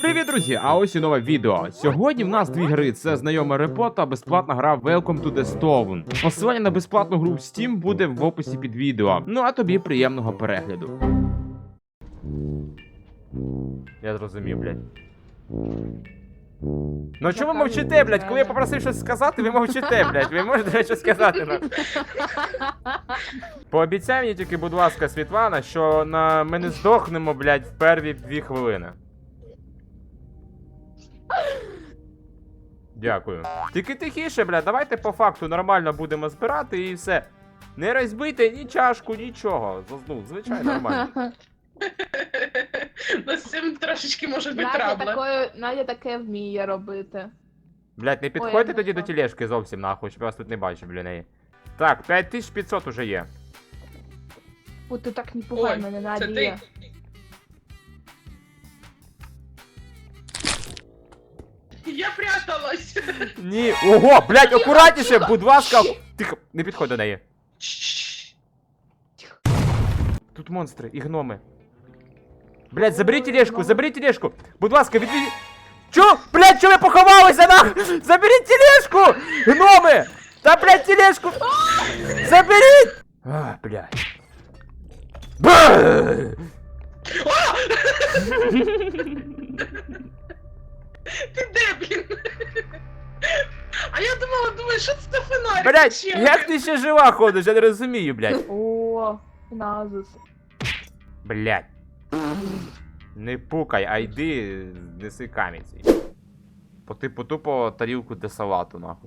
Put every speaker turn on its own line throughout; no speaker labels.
Привіт, друзі! А ось і нове відео. Сьогодні в нас дві гри: це знайома репо та безплатна гра Welcome to the Stone. Посилання на безплатну гру в Steam буде в описі під відео. Ну а тобі приємного перегляду. Я зрозумів, блядь. Ну чому ви мовчите, блядь? Коли я попросив щось сказати, ви мовчите, блядь. Ви можете щось сказати, ну? Пообіцяй мені тільки, будь ласка, Світлана, що ми не здохнемо, блядь, в перві 2 хвилини. Дякую. Тільки тихіше, блядь, давайте по факту нормально будемо збирати і все. Не розбийте ні чашку, нічого. Ну, звичайно, нормально.
Ну, з цим трошечки може бути трабли.
Надя таке вміє робити.
Блядь, не підходьте тоді до тележки зовсім нахуй, щоб я вас тут не бачив, біля неї. Так, 5500 уже є.
О, ти так не пугай мене,
Це
Надія.
ти. Я пряталась.
Ні, ого, блядь, акуратніше, будь ласка. Тихо, не підходь до неї. Тут монстри і гноми. Блядь, заберіть тележку, будь ласка, відведіть. Чо? Блядь, чо ви поховалися, нахуй? Заберіть тележку! Гноми! Та, блядь, тележку! Заберіть! А, блядь.
Ти де, блін? А я думаю, що це за фонарик?
Блядь, як ти ще жива ходиш, я не розумію, блядь.
О, Назус.
Блядь. Не пукай, а йди, неси камінь свій. По типу тупо тарілку для салату, нахуй.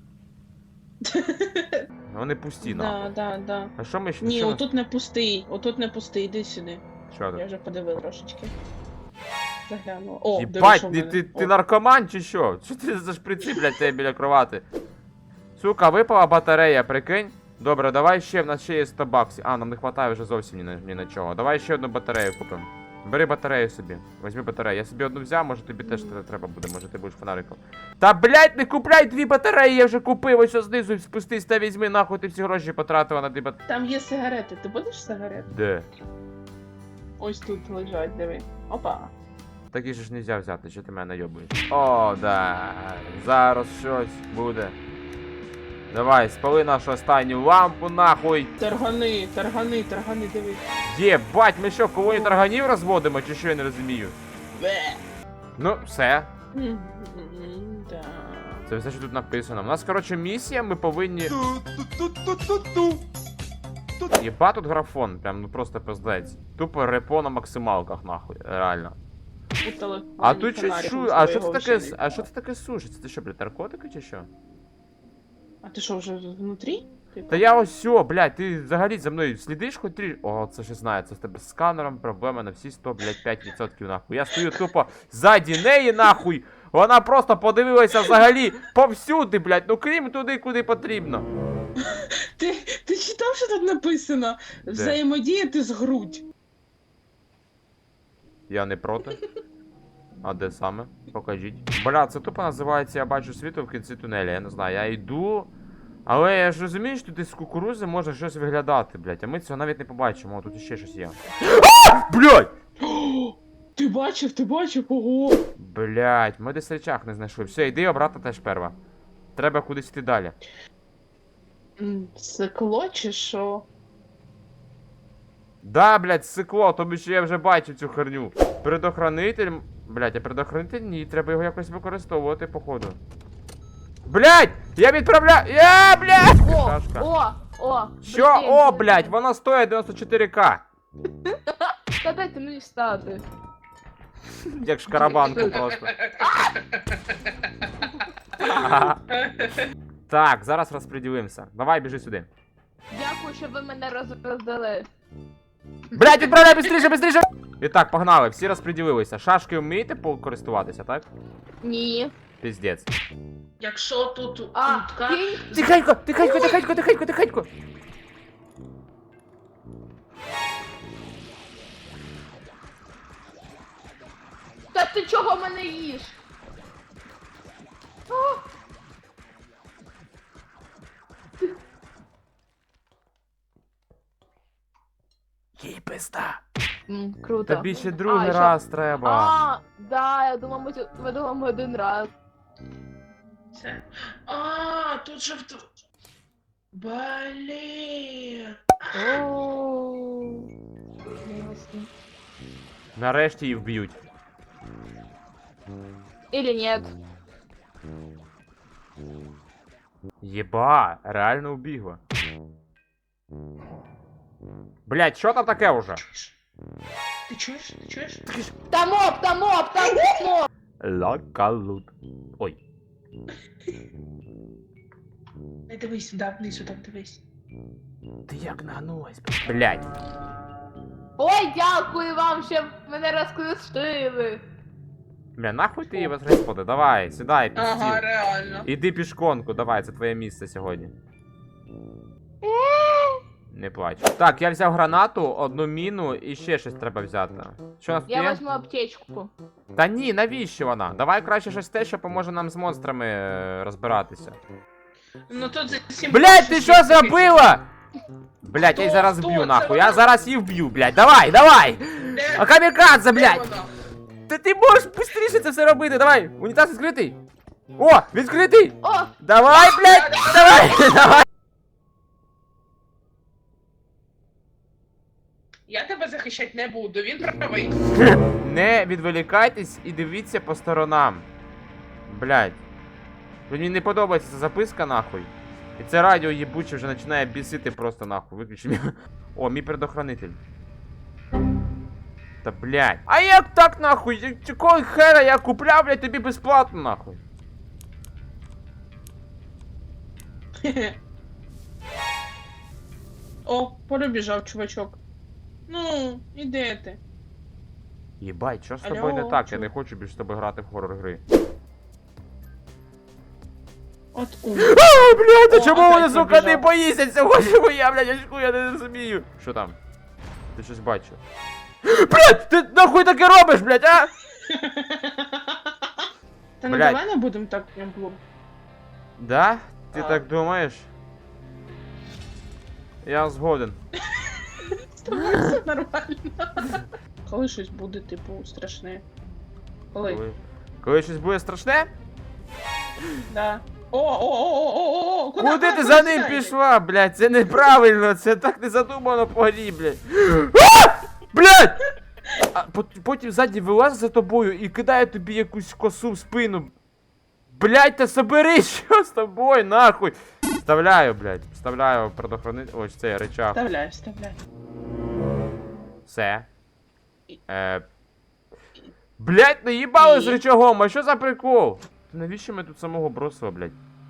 Вони пусті, нахуй.
Да.
А що ми ще?
Ні,
що ми-
отут не пустий, іди сюди.
Що
Я
тут?
вже подивив трошечки. Заглянула. О,
Єбать,
дивись, у мене.
ти наркоман чи що? Що ти за шприци, блядь, тебе біля кровати? Сука, випала батарея, прикинь? Добре, давай ще, в нас ще є 100 баксів. А, нам не вистачає вже зовсім ні на чого. Давай ще одну батарею купимо. Бери батарею собі. Візьми батарею. Я собі одну взяв, може тобі теж треба буде, може ти будеш фонариком. Та блядь, не купляй 2 батареї, я вже купив, ось знизу спустись та візьми, нахуй ти всі гроші потратила на 2 батареї.
Там є сигарети, ти будеш сигарети?
Де?
Ось тут лежать, диви. Опа.
Такі ж нельзя взяти, що ти мене найобуєш. О, да. Зараз щось буде. Давай, спали нашу останню лампу, нахуй.
Таргани, диви.
Єбать, ми що, колонію тарганів розводимо, чи що, я не розумію?
Бе.
Ну, все.
Да.
Це все, що тут написано. У нас, коротше, місія, ми повинні... Єба тут графон, прям, ну просто пиздець. Тупо репо на максималках, нахуй, реально.
У телефоні
А тут щось
фонариком
а що це
свого
таке,
вже не
а що це таке сушиться? Це що, блядь, наркотики чи що?
А ти що, вже внутрі?
Та я ось сьо, блядь, ти взагалі за мною слідиш хоч трішки? О, це ще знаю, це в тебе з сканером проблема на всі 100, блядь, 5% нахуй. Я стою тупо ззаді неї, нахуй. Вона просто подивилася взагалі повсюди, блядь, ну крім туди, куди потрібно.
Ти читав, що тут написано? Взаємодіяти з грудь.
Я не проти. А де саме? Покажіть. Бля, це тупо називається «Я бачу світло в кінці тунеля». Я не знаю, я йду. Але я ж розумію, що тут з кукурузи може щось виглядати, блядь. А ми цього навіть не побачимо. О, тут іще щось є. Блядь!
Ти бачив, ого!
Блядь, ми десь речах не знайшли. Все, йди обратно теж перва. Треба кудись йти далі.
Сикло чи що?
Да, блядь, сикло, тобі що я вже бачив цю херню. Предохранитель. Блядь, а предохранитель ні, треба його якось використовувати, походу. Блядь! Я відправляю. Блядь! Шашка.
О!
Що? О, блядь, вона стоїть 94к.
Та дайте мені встати.
Як шкарабанку просто. Так, зараз розподілимося. Давай, біжи сюди.
Дякую, що ви мене роздали.
Блядь, відправляй быстріше! І так, погнали, всі розподілилися. Шашки вмієте користуватися, так?
Ні.
Піздець.
Якщо тут
А,
утка...
кінь.
Тихенько!
Та ти чого мене їш? О!
Їй пизда.
Круто.
Тобі ще другий
що?
раз треба.
А, да, я думав, ми думаємо один раз.
Це. А, тут же Блін.
Ооо. Ясно.
Нарешті її вб'ють.
Или нет.
Єба, реально убігла. Блять, що там таке уже?
Ти чуєш? Ти чуєш?
Там моп, там моп, там моп!
Лакалут. Ой.
Не дивись сюди, вниз сюди, дивись.
Ти як нагнулась, блять.
Ой, дякую вам, що мене розкрестили.
Бля, нахуй ти її господи, давай, сідай, під
Ага,
стіл.
реально.
Іди пішконку, давай, це твоє місце сьогодні. Не плач. Так, я взяв гранату, одну міну і ще щось треба взяти. Що у нас тут
Я
є?
возьму аптечку.
Та ні, навіщо вона? Давай краще щось те, що поможе нам з монстрами розбиратися.
Ну тут за 7
Блять, ти що зробила? Блять, я її
Хто?
зараз
Хто?
вб'ю
Це
нахуй,
вона?
я зараз її вб'ю, блять, давай, давай! А камікадзе, блять! Ти можеш швидше це все робити, давай! Унітаз відкритий! О, відкритий!
О,
Давай, блять! Давай! Давай!
Я тебе захищати не буду, він правий.
Не відволікайтесь і дивіться по сторонам. Блять. Мені не подобається ця записка, нахуй. І це радіо їбуче вже починає бісити просто нахуй. Виключи. О, мій предохранитель. Та блять. А як так нахуй? Якого хера я купляв, блять, тобі безплатно нахуй?
О, перебіжав чувачок. Ну, і де ти?
Єбать, що з
Алло,
тобою не так? Я
чу-
не хочу більше з тобою грати в хоррор гри.
От у.
А, блядь, а
О,
чому
опять
вони, сука,
побіжав.
не боїться цього, чому я, блядь, очку, я не розумію. Що там? Ти щось бачив? Блядь, ти нахуй таке робиш, блядь, а?
Та ну
Блядь.
давай не будемо так прям було.
Да? Ти
А.
так думаєш? Я згоден.
З тобою все нормально. Коли щось буде, типу, страшне. Коли?
Коли щось буде страшне?
Да. О,
Куди ти за ним пішла, блядь? Це неправильно, це так не задумано по грі, блядь. А! Блядь! А потім ззаді вилазить за тобою і кидає тобі якусь косу в спину. Блядь, та соберись, що з тобою, нахуй? Вставляю, блядь, вставляю предохранитель, ось цей рычаг.
Вставляй, вставляй.
Все. Блядь, наїбали з
І?
рычагом, а що за прикол? Навіщо ми тут самого бросили, блядь?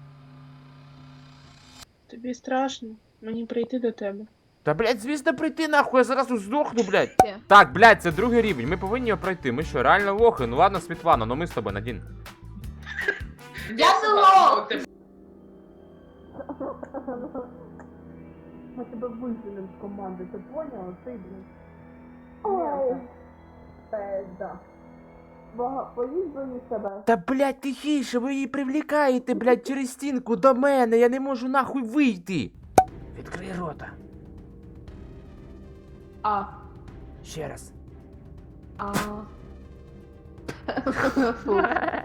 Тобі страшно мені прийти до тебе.
Та, блядь, звісно, прийти нахуй, я зараз здохну, блядь.
Є.
Так, блядь, це другий рівень, ми повинні його пройти. Ми що, реально лохи? Ну ладно, Світлана, ну ми з тобою, Надін.
я не лох!
Ми тебе виженемо з команди, ти поняла? Ти, блін.
Ой. Да. Поїдь до себе.
Та, блядь, тихіше, ви її привлікаєте, блядь, через стінку до мене, я не можу нахуй вийти. Відкрий рота.
А.
Ще раз.
А. Фу.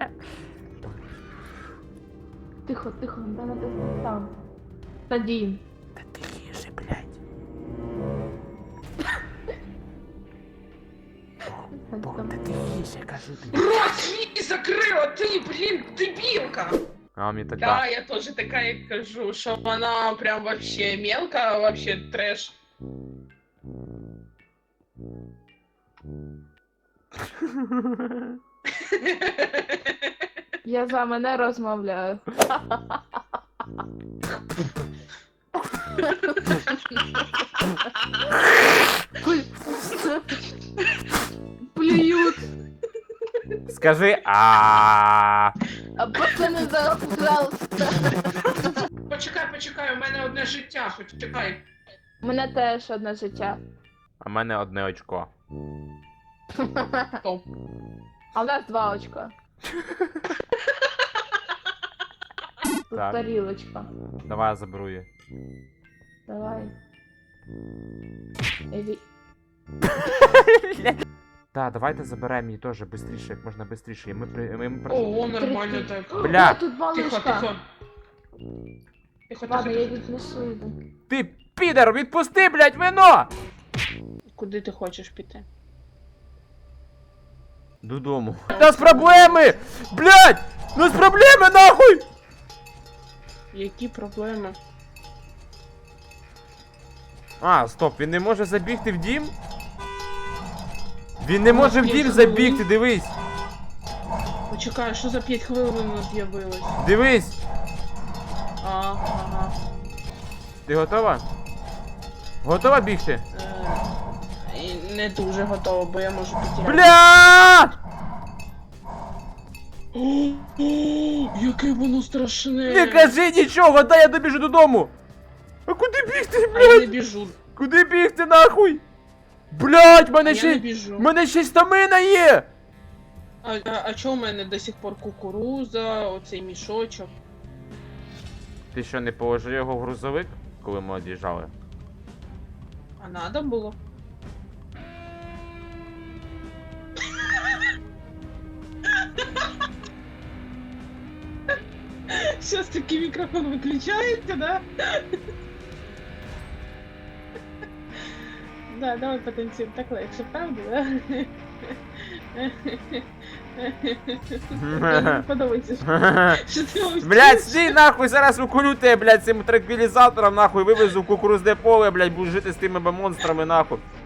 Тихо, тихо, надо там. Надін.
Та тихіше, блядь. Бог, та тихіше, кажу тобі.
Рот свій закрила, ти, блін, дебілка!
А мені так,
Да, я теж така і кажу, що вона прям вообще мелка, вообще треш.
Я за мене розмовляю. Плюють.
Скажи а.
А пацани, пожалуйста.
Почекай, у мене одне життя, почекай.
У мене теж одне життя.
А в мене одне очко.
Стоп.
А у нас 2 очка. Тут
Так.
тарілочка.
Давай я заберу її.
Давай. Еві.
Так, давайте заберемо її теж швидше, як можна швидше.
Ого, нормально так.
Бля.
О, тут два
Тихо,
лишка.
тихо. Тихо,
Ладно, я
тихо.
віднесу йду.
Ти, підер, відпусти, блядь, вино!
Куди ти хочеш піти?
Додому. У нас проблеми! Блядь! У нас проблеми, нахуй!
Які проблеми?
А, стоп, він не може забігти в дім? Він не може в
Ні,
дім
це
забігти, дивись!
Почекай, що за 5 хвилин воно з'явилось?
Дивись!
Ага.
Ти готова? Готова бігти?
І не дуже готова, бо я можу потеряти.
Блядь!
Яке воно страшне!
Не кажи нічого, дай я добіжу додому! А куди бігти,
А я не
блядь?
біжу.
Куди бігти, нахуй? Блядь,
А
мене
я не
ще...
біжу.
Мене ще й стамина є!
А чого в мене до сих пор кукуруза, оцей мішочок?
Ти що, не положив його в грузовик, коли ми од'їжджали?
А надо було? Сейчас таки микрофон выключается, да? Да, давай потанцуем. Так легше, правда, да? Мені подобається, що ти мовчиш.
Блядь, стій нахуй, зараз уколю тебе, блядь, цим транквілізатором, нахуй, вивезу в кукурузне поле, блядь, буду жити з тими монстрами, нахуй.